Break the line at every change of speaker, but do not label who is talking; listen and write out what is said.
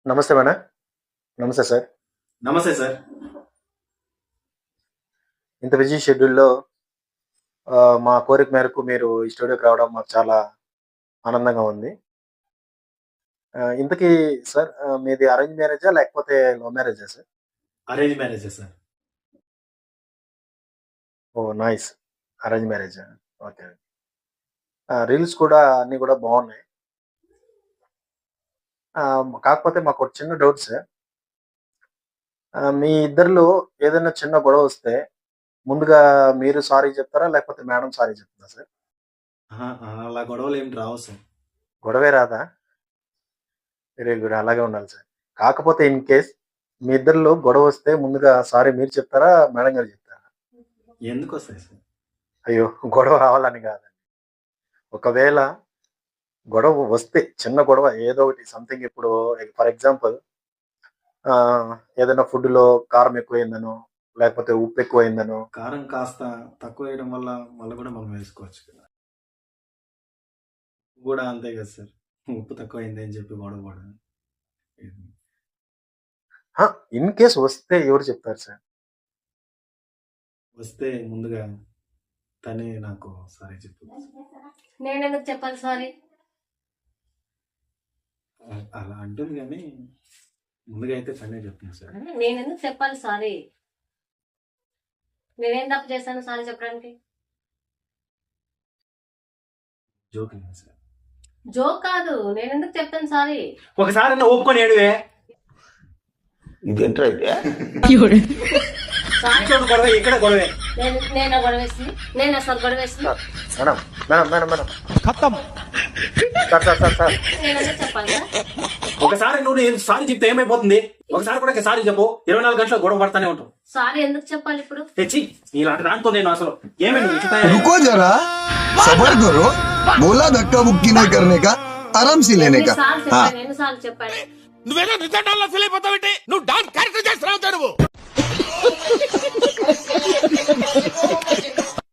నమస్తే మేడం. నమస్తే సార్.
నమస్తే సార్.
ఇంత బిజీ షెడ్యూల్‌లో మా కోరిక మేరకు మీరు ఈ స్టూడియోకి రావడం మాకు చాలా ఆనందంగా ఉంది. ఇంతకీ సార్ మీది అరేంజ్ మ్యారేజా? లేకపోతే లవ్ మ్యారేజా సార్?
అరేంజ్ మ్యారేజే సార్.
ఓహ్! నైస్. అరేంజ్ మ్యారేజా? ఓకే. రీల్స్ కూడా అన్నీ కూడా బావున్నాయి. కాకపోతే మాకొక చిన్న డౌట్ సార్. మీ ఇద్దరిలో ఏదైనా చిన్న గొడవొస్తే ముందుగా మీరు సారీ చెప్తారా? లేకపోతే మేడం సారీ చెప్తుందా సార్?
అహా! అలా గొడవలేమి రావు సార్.
గొడవే రాదా? Very good. అలాగే ఉండాలి సార్. కాకపోతే ఇన్ కేస్ మీ ఇద్దరిలో గొడవొస్తే ముందుగా సారీ మీరు చెప్తారా? మేడం గారు చెప్తారా?
ఎందుకొస్తాయి సార్?
అయ్యో! గొడవ రావాలని కాదండి. ఒకవేళ గొడవ వస్తే చిన్న గొడవ ఏదో ఒకటి సంథింగ్ ఇప్పుడు ఫర్ ఎగ్జాంపుల్ ఏదైనా ఫుడ్‌లో కారం ఎక్కువయిందనో, లేకపోతే ఉప్పు ఎక్కువయిందనో
కారం కాస్త తక్కువేయడం వల్ల మళ్ళా గూడా మనం వేసుకోవచ్చు కదా! గూడా అంతే కదా సార్. ఉప్పు తక్కువయింది అని చెప్పి గొడవ పడడం.
ఇన్ కేస్ వస్తే ఎవరు చెప్తారు సార్?
వస్తే ముందుగా తనే నాకు సారీ చెప్తుంది.
నేనెందుకు చెప్పాలి సారీ?
అలా అంటుంది గానీ ముందుగా అయితే తనే చెప్తుంది సార్.
నేనెందుకు చెప్పాలి సారీ? నేనేం తప్పు చేశాను సారీ చెప్పడానికి?
Joking sir.
జోక్ కాదు. నేనెందుకు చెప్తాను సారీ?
ఒకసారి ఒప్పుకొని ఏడువే.
ఇదేంట్రా ఇది?
సారీ
గొడవ ఇక్కడ గొడవే.
నేను గొడవేసింది. నేను అసలు గొడవేసింది.
Madam, madam, madam, madam. ఖతం. సార్.
నేనెందుకు చెప్పాలి సార్?
ఒకసారి నువ్వు సారీ చెప్తే ఏమైపోతుంది? ఒకసారి కూడా సారీ చెప్పు. 24 గంటలు గొడవ పడతానే ఉంటావు.
సారీ ఎందుకు చెప్పాలి ఇప్పుడు?
తెచ్చి ఇలాంటి దాంతో నేను అసలు ఏమైంది?
रुको जरा सबर करो बोला धक्का मुक्की नहीं करने का आराम से लेने का हाँ
ఎన్నిసార్లు చెప్పాను?
నువ్వేదో నిజంగా ఫీల్ అయిపోతావేంటి?